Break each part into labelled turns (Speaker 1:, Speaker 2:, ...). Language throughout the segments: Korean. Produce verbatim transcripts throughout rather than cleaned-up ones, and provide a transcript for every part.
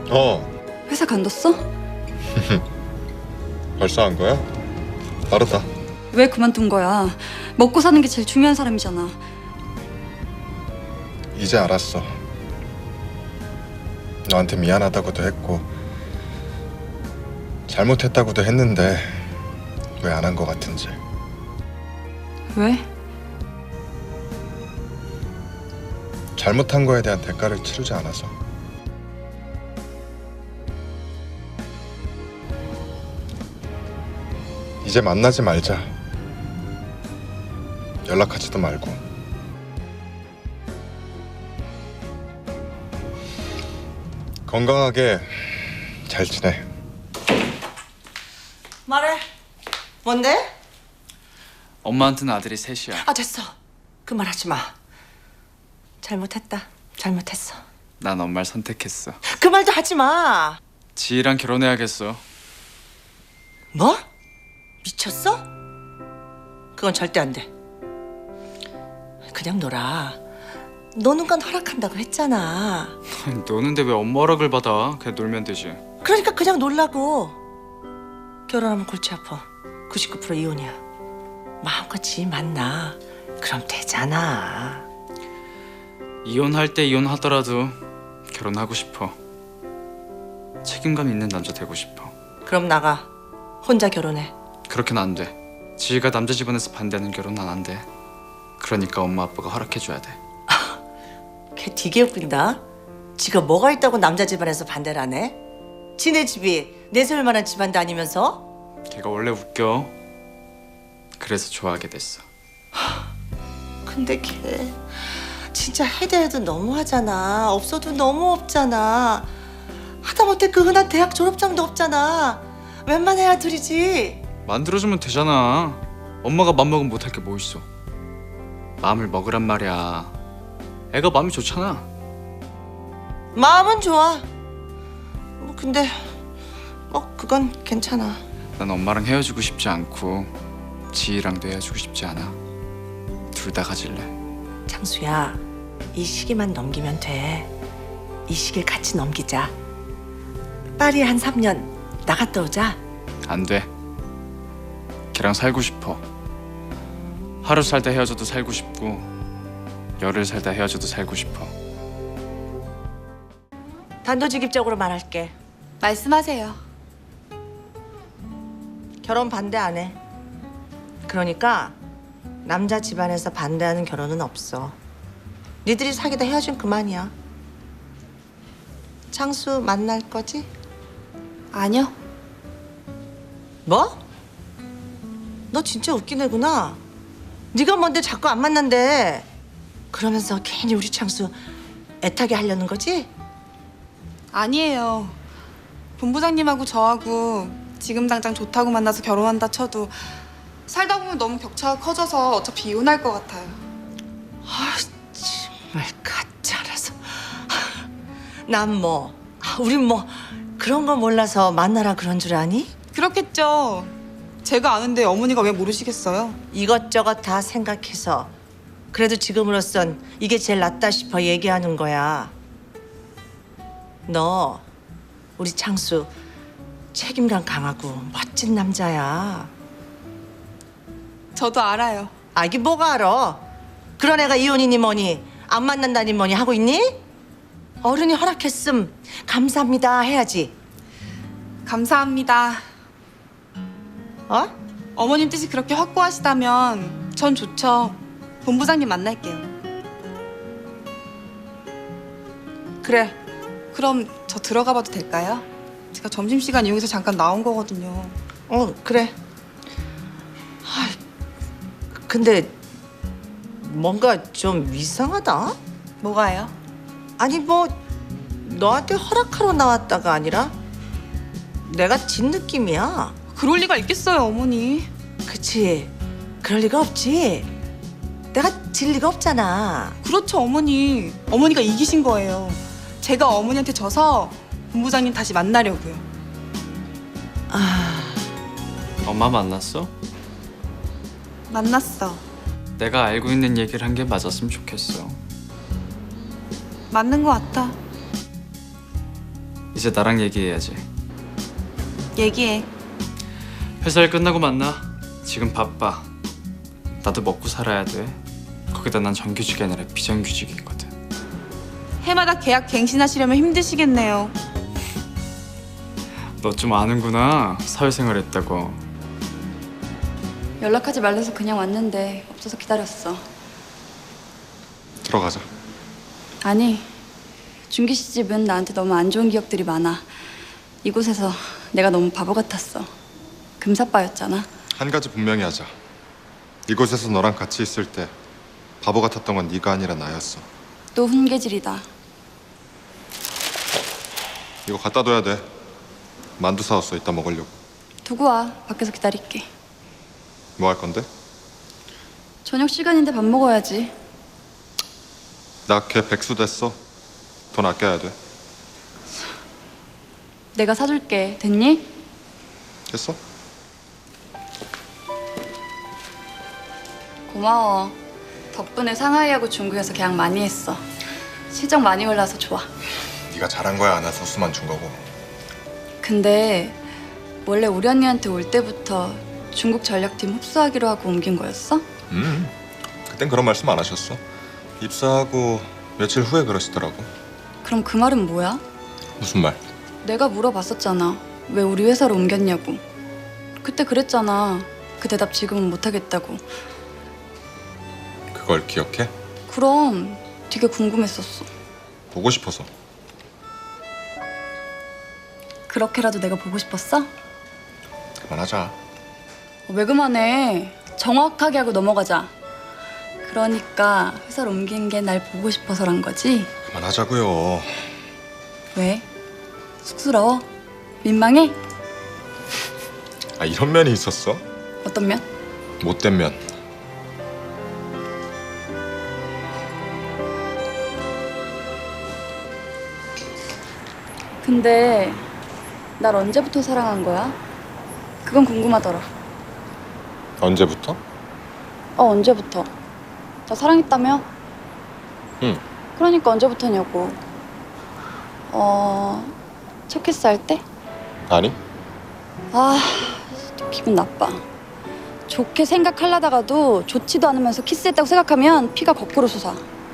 Speaker 1: 어.
Speaker 2: 회사 간뒀어?
Speaker 1: 벌써 한 거야? 빠르다.
Speaker 2: 왜 그만둔 거야? 먹고 사는 게 제일 중요한 사람이잖아.
Speaker 1: 이제 알았어. 너한테 미안하다고도 했고 잘못했다고도 했는데 왜 안 한 거 같은지.
Speaker 2: 왜?
Speaker 1: 잘못한 거에 대한 대가를 치르지 않아서. 이제 만나지 말자. 연락하지도 말고. 건강하게 잘 지내.
Speaker 3: 말해. 뭔데?
Speaker 4: 엄마한테는 아들이 셋이야.
Speaker 3: 아 됐어. 그 말 하지 마. 잘못했다. 잘못했어.
Speaker 4: 난 엄마를 선택했어.
Speaker 3: 그 말도 하지 마.
Speaker 4: 지희랑 결혼해야겠어.
Speaker 3: 뭐? 미쳤어? 그건 절대 안 돼. 그냥 놀아. 노는 건 허락한다고 했잖아.
Speaker 4: 노는데 왜 엄마 허락을 받아? 그냥 놀면 되지.
Speaker 3: 그러니까 그냥 놀라고. 결혼하면 골치 아파. 구십구 퍼센트 이혼이야. 마음껏 지희 만나. 그럼 되잖아.
Speaker 4: 이혼할 때 이혼하더라도 결혼하고 싶어. 책임감 있는 남자 되고 싶어.
Speaker 3: 그럼 나가. 혼자 결혼해.
Speaker 4: 그렇게는 안 돼. 지희가 남자 집안에서 반대하는 결혼은 안 돼. 그러니까 엄마 아빠가 허락해줘야 돼.
Speaker 3: 걔 되게 웃긴다. 지가 뭐가 있다고 남자 집안에서 반대를 안 해? 지네 집이 내세울 만한 집안도 아니면서?
Speaker 4: 걔가 원래 웃겨. 그래서 좋아하게 됐어.
Speaker 3: 근데 걔 진짜 해도 해도 너무하잖아. 없어도 너무 없잖아. 하다못해 그 흔한 대학 졸업장도 없잖아. 웬만해야 둘이지.
Speaker 4: 만들어주면 되잖아. 엄마가 맘먹으면 못할 게 뭐 있어. 마음을 먹으란 말이야. 애가 마음이 좋잖아.
Speaker 3: 마음은 좋아. 뭐 근데 뭐 그건 괜찮아.
Speaker 4: 난 엄마랑 헤어지고 싶지 않고 지희랑도 헤어지고 싶지 않아. 둘 다 가질래.
Speaker 3: 창수야, 이 시기만 넘기면 돼. 이 시기를 같이 넘기자. 파리에 한 삼 년 나갔다 오자.
Speaker 4: 안 돼. 걔랑 살고 싶어. 하루 살다 헤어져도 살고 싶고 열흘 살다 헤어져도 살고 싶어.
Speaker 3: 단도직입적으로 말할게.
Speaker 2: 말씀하세요.
Speaker 3: 결혼 반대 안 해. 그러니까 남자 집안에서 반대하는 결혼은 없어. 니들이 사귀다 헤어진 그만이야. 창수 만날 거지?
Speaker 2: 아니요.
Speaker 3: 뭐? 너 진짜 웃긴 애구나. 네가 뭔데 자꾸 안 만난대. 그러면서 괜히 우리 창수 애타게 하려는 거지?
Speaker 5: 아니에요. 본부장님하고 저하고 지금 당장 좋다고 만나서 결혼한다 쳐도 살다 보면 너무 격차가 커져서 어차피 이혼할 것 같아요.
Speaker 3: 아 정말 가짜라서. 난 뭐, 아, 우린 뭐 그런 거 몰라서 만나라 그런 줄 아니?
Speaker 5: 그렇겠죠. 제가 아는데 어머니가 왜 모르시겠어요?
Speaker 3: 이것저것 다 생각해서 그래도 지금으로선 이게 제일 낫다 싶어 얘기하는 거야. 너 우리 창수 책임감 강하고 멋진 남자야.
Speaker 5: 저도 알아요.
Speaker 3: 아 이게 뭐가 알아? 그런 애가 이혼이니 뭐니 안 만난다니 뭐니 하고 있니? 어른이 허락했음 감사합니다 해야지.
Speaker 5: 감사합니다.
Speaker 3: 어?
Speaker 5: 어머님 뜻이 그렇게 확고하시다면 전 좋죠. 본부장님 만날게요.
Speaker 3: 그래.
Speaker 5: 그럼 저 들어가 봐도 될까요? 제가 점심시간 이용해서 잠깐 나온 거거든요.
Speaker 3: 어 그래. 아 근데 뭔가 좀 이상하다.
Speaker 5: 뭐가요?
Speaker 3: 아니 뭐 너한테 허락하러 나왔다가 아니라 내가 진 느낌이야.
Speaker 5: 그럴 리가 있겠어요, 어머니.
Speaker 3: 그치? 그럴 리가 없지. 내가 질 리가 없잖아.
Speaker 5: 그렇죠, 어머니. 어머니가 이기신 거예요. 제가 어머니한테 져서 본부장님 다시 만나려고요.
Speaker 3: 아
Speaker 4: 엄마 만났어?
Speaker 5: 만났어.
Speaker 4: 내가 알고 있는 얘기를 한 게 맞았으면 좋겠어.
Speaker 5: 맞는 거 같아.
Speaker 4: 이제 나랑 얘기해야지.
Speaker 5: 얘기해.
Speaker 4: 회사 일 끝나고 만나. 지금 바빠. 나도 먹고 살아야 돼. 거기다 난 정규직이 아니라 비정규직이거든.
Speaker 5: 해마다 계약 갱신하시려면 힘드시겠네요.
Speaker 4: 너 좀 아는구나. 사회생활 했다고.
Speaker 2: 연락하지 말래서 그냥 왔는데 없어서 기다렸어.
Speaker 1: 들어가자.
Speaker 2: 아니, 준기 씨 집은 나한테 너무 안 좋은 기억들이 많아. 이곳에서 내가 너무 바보 같았어. 금사빠였잖아.
Speaker 1: 한 가지 분명히 하자. 이곳에서 너랑 같이 있을 때 바보 같았던 건 네가 아니라 나였어.
Speaker 2: 또 훈계질이다.
Speaker 1: 이거 갖다 둬야 돼. 만두 사왔어. 이따 먹으려고.
Speaker 2: 두고 와. 밖에서 기다릴게.
Speaker 1: 뭐 할 건데?
Speaker 2: 저녁 시간인데 밥 먹어야지.
Speaker 1: 나 걔 백수 됐어. 돈 아껴야 돼.
Speaker 2: 내가 사줄게. 됐니?
Speaker 1: 됐어?
Speaker 2: 고마워. 덕분에 상하이하고 중국에서 계약 많이 했어. 실적 많이 올라서 좋아.
Speaker 1: 네가 잘한 거야. 나 소스만 준 거고.
Speaker 2: 근데 원래 우리 언니한테 올 때부터 중국 전략팀 흡수하기로 하고 옮긴 거였어?
Speaker 1: 음. 그땐 그런 말씀 안 하셨어. 입사하고 며칠 후에 그러시더라고.
Speaker 2: 그럼 그 말은 뭐야?
Speaker 1: 무슨 말?
Speaker 2: 내가 물어봤었잖아. 왜 우리 회사로 옮겼냐고. 그때 그랬잖아. 그 대답 지금은 못하겠다고.
Speaker 1: 그걸 기억해?
Speaker 2: 그럼 되게 궁금했었어.
Speaker 1: 보고 싶어서.
Speaker 2: 그렇게라도 내가 보고 싶었어?
Speaker 1: 그만하자.
Speaker 2: 왜 그만해? 정확하게 하고 넘어가자. 그러니까 회사를 옮긴 게 날 보고 싶어서란 거지?
Speaker 1: 그만하자고요.
Speaker 2: 왜? 쑥스러워? 민망해?
Speaker 1: 아, 이런 면이 있었어?
Speaker 2: 어떤 면?
Speaker 1: 못된 면.
Speaker 2: 근데 날 언제부터 사랑한 거야? 그건 궁금하더라.
Speaker 1: 언제부터?
Speaker 2: 어, 언제부터? 나 사랑했다며?
Speaker 1: 응.
Speaker 2: 그러니까 언제부터냐고. 어... 첫 키스할 때?
Speaker 1: 아니?
Speaker 2: 아, 또 기분 나빠. 좋게 생각하려다가도 좋지도 않으면서 키스했다고 생각하면 피가 거꾸로 솟아.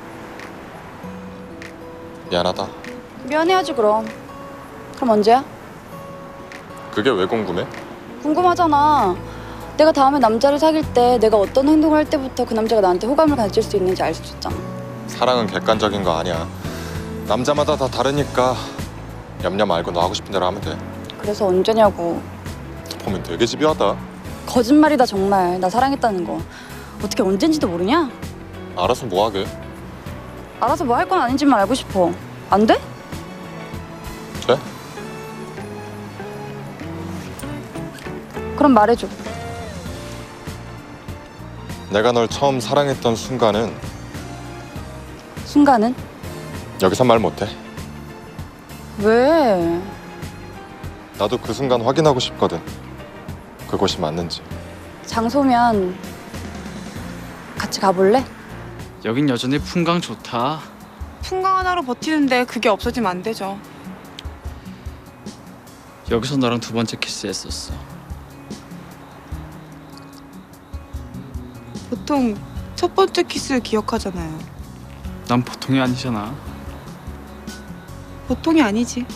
Speaker 1: 미안하다.
Speaker 2: 미안해야지 그럼. 그럼 언제야?
Speaker 1: 그게 왜 궁금해?
Speaker 2: 궁금하잖아. 내가 다음에 남자를 사귈 때 내가 어떤 행동을 할 때부터 그 남자가 나한테 호감을 가질 수 있는지 알 수 있잖아.
Speaker 1: 사랑은 객관적인 거 아니야. 남자마다 다 다르니까 냠냠 알고 너 하고 싶은 대로 하면 돼.
Speaker 2: 그래서 언제냐고.
Speaker 1: 보면 되게 집요하다.
Speaker 2: 거짓말이다 정말. 나 사랑했다는 거. 어떻게 언젠지도 모르냐?
Speaker 1: 알아서 뭐 하게.
Speaker 2: 알아서 뭐 할 건 아닌지만 알고 싶어. 안 돼?
Speaker 1: 돼?
Speaker 2: 그럼 말해줘.
Speaker 1: 내가 널 처음 사랑했던 순간은
Speaker 2: 순간은?
Speaker 1: 여기서 말 못해.
Speaker 2: 왜?
Speaker 1: 나도 그 순간 확인하고 싶거든. 그곳이 맞는지.
Speaker 2: 장소면 같이 가볼래?
Speaker 4: 여긴 여전히 풍광 좋다.
Speaker 5: 풍광 하나로 버티는데 그게 없어지면 안 되죠.
Speaker 4: 여기서 너랑 두 번째 키스했었어.
Speaker 5: 보통 첫 번째 키스 기억하잖아요.
Speaker 4: 난 보통이 아니잖아.
Speaker 5: 보통이 아니지.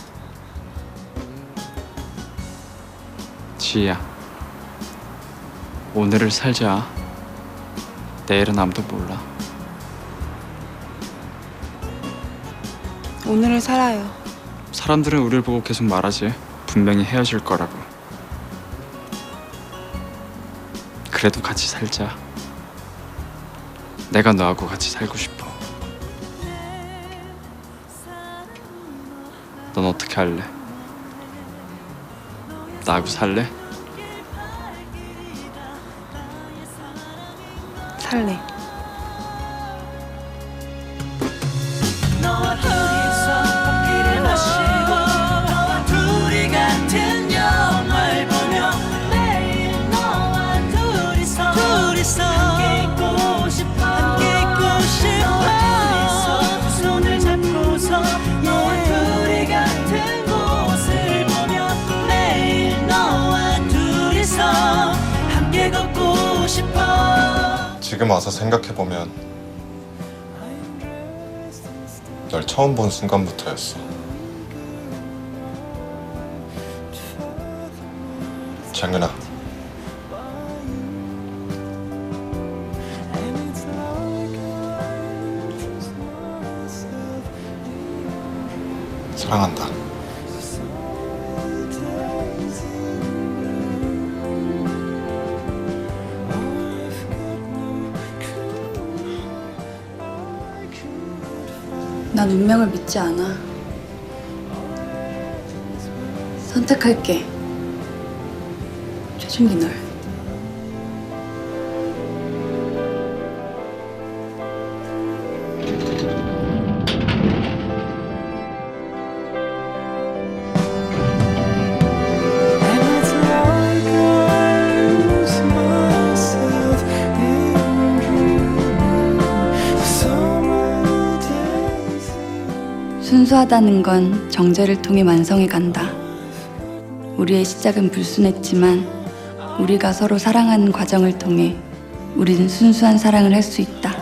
Speaker 4: 지희야, 오늘을 살자. 내일은 아무도 몰라.
Speaker 5: 오늘을 살아요.
Speaker 4: 사람들은 우리를 보고 계속 말하지. 분명히 헤어질 거라고. 그래도 같이 살자. 내가 너하고 같이 살고 싶어. 넌 어떻게 할래? 나하고 살래?
Speaker 5: 살래.
Speaker 6: 너와 둘이서 커피를 마시고 너와 둘이 같은 영화를 보며 매일 너와 둘이서 둘이서 함께 있고 싶어 함께 있고 싶어 너와 둘이서 손을 잡고서 너와 둘이 같은 곳
Speaker 1: 지금 와서 생각해보면 널 처음 본 순간부터였어. 장윤아, 사랑한다.
Speaker 2: 난 운명을 믿지 않아. 선택할게. 최준기 널.
Speaker 6: And it's like I lose myself in dreaming summer days.
Speaker 2: 순수하다는 건 정제를 통해 완성해 간다. 우리의 시작은 불순했지만 우리가 서로 사랑하는 과정을 통해 우리는 순수한 사랑을 할 수 있다.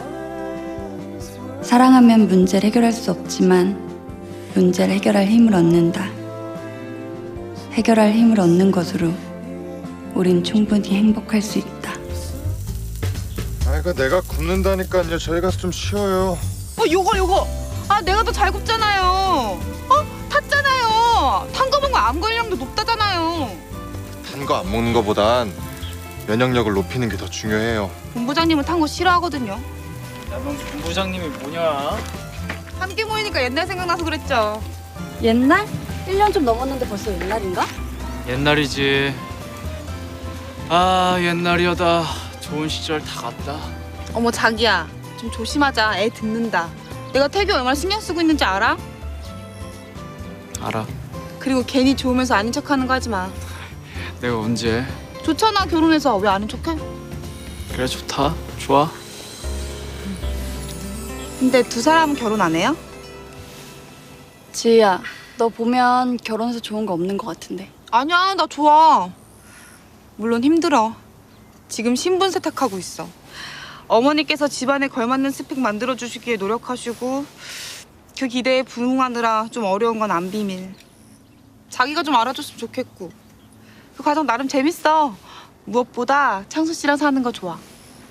Speaker 2: 사랑하면 문제를 해결할 수 없지만 문제를 해결할 힘을 얻는다. 해결할 힘을 얻는 것으로 우린 충분히 행복할 수 있다.
Speaker 1: 아, 이거 내가 굽는다니까요. 저희 가서 좀 쉬어요.
Speaker 5: 어 요거 요거. 아 내가 더 잘 굽잖아요. 어 탔잖아요. 탄 거 먹으면 암 걸리량도 높다잖아요.
Speaker 1: 단 거 안 먹는 거보단 면역력을 높이는 게 더 중요해요.
Speaker 5: 본부장님은 탄 거 싫어하거든요.
Speaker 4: 야, 넌 본부장님이 뭐냐?
Speaker 5: 함께 모이니까 옛날 생각나서 그랬죠.
Speaker 2: 옛날? 일 년 좀 넘었는데 벌써 옛날인가?
Speaker 4: 옛날이지. 아, 옛날이여다. 좋은 시절 다 갔다.
Speaker 5: 어머 자기야 좀 조심하자. 애 듣는다. 내가 태규 얼마나 신경 쓰고 있는지 알아?
Speaker 4: 알아.
Speaker 5: 그리고 괜히 좋으면서 아닌 척하는 거 하지 마.
Speaker 4: 내가 언제?
Speaker 5: 좋잖아 결혼해서. 왜 아닌 척해?
Speaker 4: 그래, 좋다. 좋아.
Speaker 5: 근데 두 사람은 결혼 안 해요?
Speaker 2: 지희야, 너 보면 결혼해서 좋은 거 없는 것 같은데.
Speaker 5: 아니야 나 좋아. 물론 힘들어. 지금 신분 세탁하고 있어. 어머니께서 집안에 걸맞는 스펙 만들어주시기에 노력하시고 그 기대에 부응하느라 좀 어려운 건 안 비밀. 자기가 좀 알아줬으면 좋겠고 그 과정 나름 재밌어. 무엇보다 창수 씨랑 사는 거 좋아.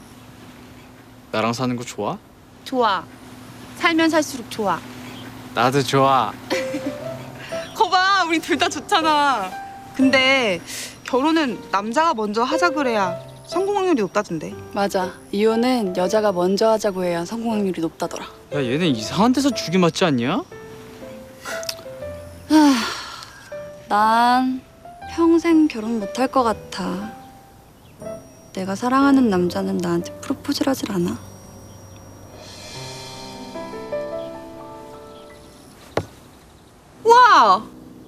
Speaker 4: 나랑 사는 거 좋아?
Speaker 5: 좋아. 살면 살수록 좋아.
Speaker 4: 나도 좋아.
Speaker 5: 거봐 우리 둘 다 좋잖아. 근데 결혼은 남자가 먼저 하자 그래야 성공 확률이 높다던데.
Speaker 2: 맞아. 이혼은 여자가 먼저 하자고 해야 성공 확률이 높다더라.
Speaker 4: 야, 얘네 이상한 데서 죽이 맞지 않냐?
Speaker 2: 난 평생 결혼 못 할 것 같아. 내가 사랑하는 남자는 나한테 프로포즈를 하질 않아.
Speaker 5: 와!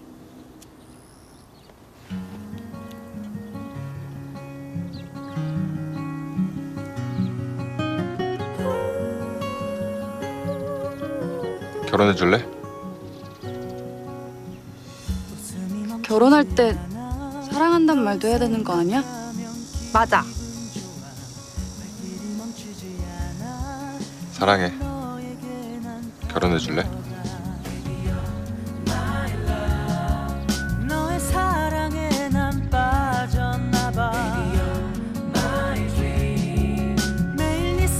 Speaker 1: 결혼해 줄래?
Speaker 2: 결혼할 때 사랑한단 말도 해야 되는 거 아니야?
Speaker 5: 맞아.
Speaker 1: 사랑해. 결혼해 줄래?
Speaker 6: 너의 사랑에 난 빠졌나 봐. 매일 네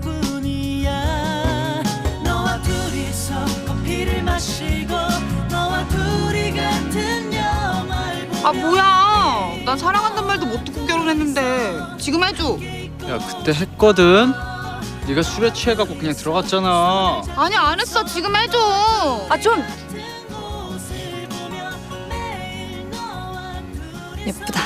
Speaker 6: 생각뿐이야. 너와 둘이서 커피를 마시고 너와 둘이 같은 영화를 보며.
Speaker 5: 아 뭐야? 난 사랑한단 말도 못 듣고 결혼했는데 지금 해줘.
Speaker 4: 야, 그때 했거든. 네가 술에 취해갖고 그냥 들어갔잖아.
Speaker 5: 아니 안 했어. 지금 해줘.
Speaker 2: 아 좀! 예쁘다.